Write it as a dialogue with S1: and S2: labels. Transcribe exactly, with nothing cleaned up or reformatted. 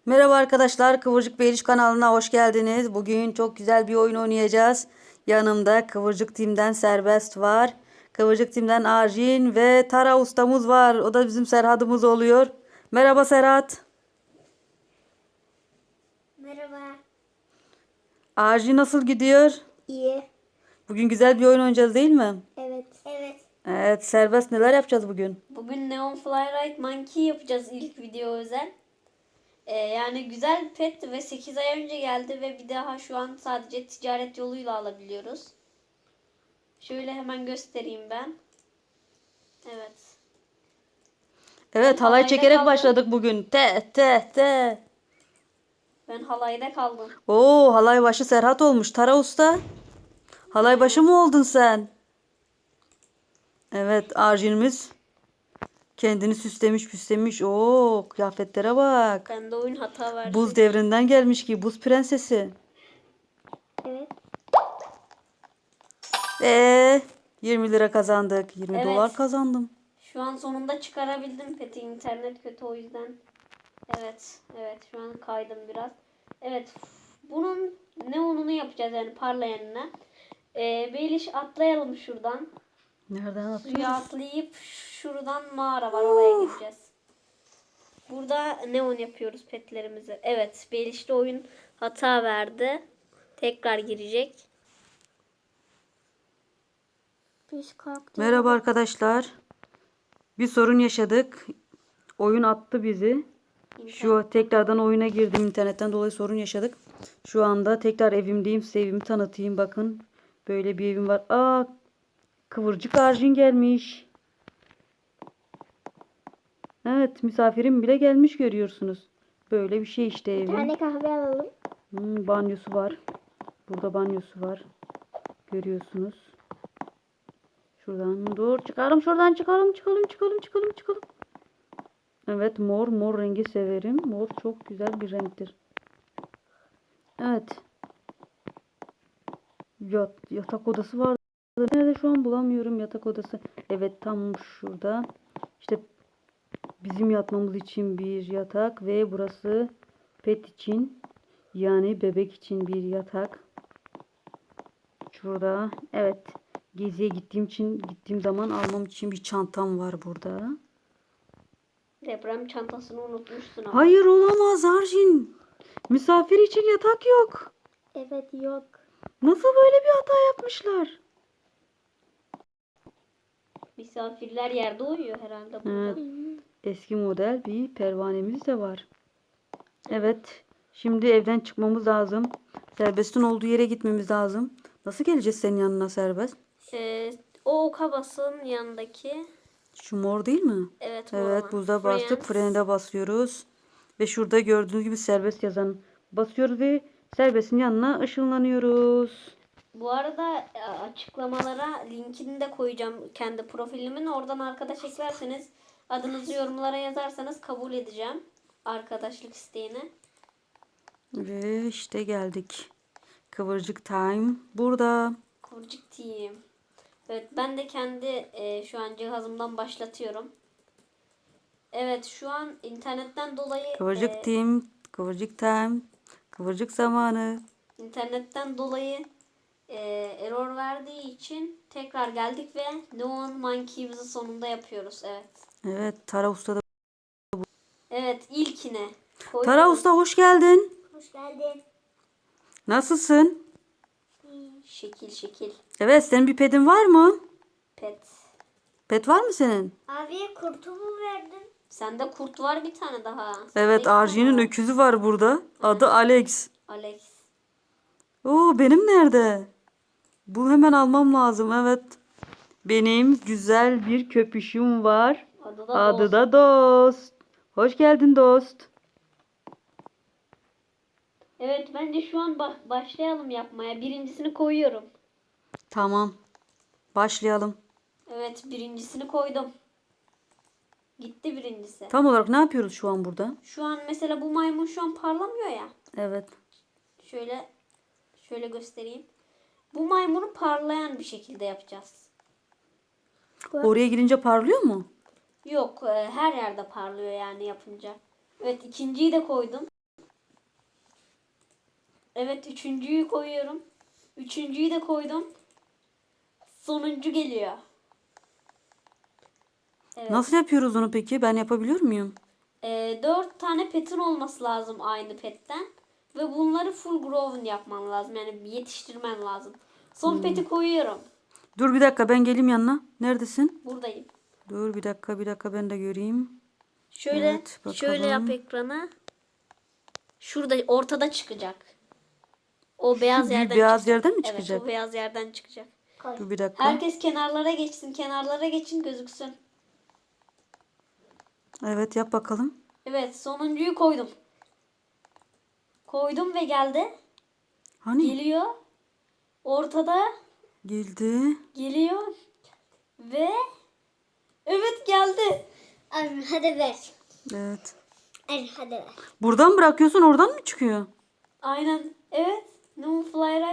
S1: Merhaba arkadaşlar, Kıvırcık Beyliş kanalına hoş geldiniz. Bugün çok güzel bir oyun oynayacağız. Yanımda Kıvırcık Tim'den Serbest var. Kıvırcık Tim'den Arjin ve Tara ustamız var. O da bizim Serhat'ımız oluyor. Merhaba Serhat.
S2: Merhaba.
S1: Arjin nasıl gidiyor?
S2: İyi.
S1: Bugün güzel bir oyun oynayacağız değil mi?
S2: Evet. Evet.
S1: Evet, Serbest neler yapacağız bugün?
S3: Bugün Neon Flyride Monkey yapacağız ilk video özel. Ee, yani güzel pet ve sekiz ay önce geldi ve bir daha şu an sadece ticaret yoluyla alabiliyoruz. Şöyle hemen göstereyim ben. Evet.
S1: Evet,
S3: Ben
S1: halay
S3: halayda
S1: çekerek
S3: kaldım.
S1: başladık bugün. Te te te.
S3: Ben halayda kaldım.
S1: Oo, halay başı Serhat olmuş. Tara usta. Halay başı mı oldun sen? Evet, Arjin'imiz kendini süslemiş püslemiş. Oo, kıyafetlere bak.
S3: Bende oyun hata verdi.
S1: Buz devrinden gelmiş ki buz prensesi.
S2: Evet.
S1: Ee, yirmi lira kazandık. yirmi
S3: Evet.
S1: dolar kazandım.
S3: Şu an sonunda çıkarabildim peti. İnternet kötü o yüzden. Evet. Evet. Şu an kaydım biraz. Evet. Bunun neonunu yapacağız yani parlayanını. Ee, Beyliş atlayalım şuradan.
S1: Nereden
S3: Suya
S1: atıyoruz?
S3: atlayıp şuradan mağara var, oraya gideceğiz. Burada neon yapıyoruz petlerimizi. Evet, Beliş'te oyun hata verdi. Tekrar girecek.
S2: Biz kalktık.
S1: Merhaba arkadaşlar. Bir sorun yaşadık. Oyun attı bizi. Şu tekrardan oyuna girdim. İnternetten dolayı sorun yaşadık. Şu anda tekrar evimdeyim. Size evimi tanıtayım. Bakın. Böyle bir evim var. Aa, Kıvırcık Arjin gelmiş. Evet, misafirim bile gelmiş görüyorsunuz. Böyle bir şey işte
S2: Bir
S1: evim.
S2: tane kahve alalım.
S1: Hmm, banyosu var. Burada banyosu var. Görüyorsunuz. Şuradan dur. Çıkalım şuradan çıkalım çıkalım çıkalım çıkalım çıkalım. Evet, mor mor rengi severim. Mor çok güzel bir renktir. Evet. Yat, yatak odası var. Nerede şu an bulamıyorum yatak odası. Evet, tam şurada. İşte bizim yatmamız için bir yatak ve burası pet için, yani bebek için bir yatak. Şurada. Evet. Geziye gittiğim için gittiğim zaman almam için bir çantam var burada.
S3: Deprem çantasını unutmuşsun ama.
S1: Hayır, olamaz Arjin. Misafir için yatak yok.
S2: Evet, yok.
S1: Nasıl böyle bir hata yapmışlar?
S3: Misafirler yerde uyuyor herhalde burada.
S1: Evet. Eski model bir pervanemiz de var. Evet. Şimdi evden çıkmamız lazım. Serbest'in olduğu yere gitmemiz lazım. Nasıl geleceğiz senin yanına Serbest?
S3: Ee, o kabasın yanındaki.
S1: Şu mor değil mi?
S3: Evet, mor
S1: Evet,
S3: olan.
S1: buzda bastık.
S3: Friends.
S1: Frene de basıyoruz. Ve şurada gördüğünüz gibi Serbest yazan basıyoruz ve Serbest'in yanına ışınlanıyoruz.
S3: Bu arada e, açıklamalara linkini de koyacağım kendi profilimin. Oradan arkadaş eklerseniz, adınızı yorumlara yazarsanız kabul edeceğim arkadaşlık isteğini.
S1: Ve işte geldik. Kıvırcık Time burada.
S3: Kıvırcık Team. Evet, ben de kendi e, şu an cihazımdan başlatıyorum. Evet, şu an internetten dolayı
S1: Kıvırcık
S3: e,
S1: Team, Kıvırcık Time, Kıvırcık zamanı.
S3: internetten dolayı e, error verdiği için tekrar geldik ve Neon Monkey'imizi sonunda yapıyoruz. Evet.
S1: Evet, Tara Usta da.
S3: Evet, ilkine
S1: Tara
S3: koyuyoruz.
S1: Usta hoş geldin.
S2: Hoş geldin.
S1: Nasılsın?
S3: Şekil şekil.
S1: Evet, senin bir pedin var mı?
S3: Pet.
S1: Pet var mı senin?
S2: Abi kurtumu verdin.
S3: Sende kurt var bir tane daha. Sende iki
S1: Evet,
S3: tane
S1: Arjin'in
S3: var.
S1: öküzü var burada. Adı Alex.
S3: Alex.
S1: Oo, benim nerede? Bu hemen almam lazım. Evet. Benim güzel bir köpüşüm var.
S3: Adı da
S1: Adı
S3: Dost.
S1: da Dost. Hoş geldin Dost.
S3: Evet, bence şu an ba- başlayalım yapmaya. Birincisini koyuyorum.
S1: Tamam. Başlayalım.
S3: Evet, birincisini koydum. Gitti birincisi.
S1: Tam olarak ne yapıyoruz şu an burada?
S3: Şu an mesela bu maymun şu an parlamıyor ya.
S1: Evet.
S3: Şöyle şöyle göstereyim. Bu maymunu parlayan bir şekilde yapacağız.
S1: Oraya girince parlıyor mu?
S3: Yok, e, her yerde parlıyor yani yapınca. Evet, ikinciyi de koydum. Evet, üçüncüyü koyuyorum. Üçüncüyü de koydum. Sonuncu geliyor. Evet.
S1: Nasıl yapıyoruz onu peki? Ben yapabiliyor muyum?
S3: Ee, dört tane petin olması lazım aynı petten. Ve bunları full grown yapman lazım. Yani yetiştirmen lazım. Son
S1: Hmm.
S3: peti koyuyorum.
S1: Dur bir dakika ben geleyim yanına. Neredesin?
S3: Buradayım.
S1: Dur bir dakika bir dakika ben de göreyim.
S3: Şöyle
S1: Evet, bakalım.
S3: şöyle yap ekranı. Şurada ortada çıkacak. O beyaz
S1: Şu
S3: yerden
S1: beyaz
S3: çıkacak.
S1: yerden mi
S3: Evet,
S1: çıkacak?
S3: o beyaz yerden çıkacak.
S2: Koy.
S1: Dur bir dakika.
S3: Herkes kenarlara geçsin. Kenarlara geçin, gözüksün.
S1: Evet yap bakalım.
S3: Evet, sonuncuyu koydum. Koydum ve geldi.
S1: Hani?
S3: Geliyor. Ortada
S1: Geldi.
S3: geliyor. Ve evet, geldi.
S2: Anne hadi ver.
S1: Evet.
S2: Anne hadi ver.
S1: Buradan bırakıyorsun oradan mı çıkıyor?
S3: Aynen. Evet. Noon Fly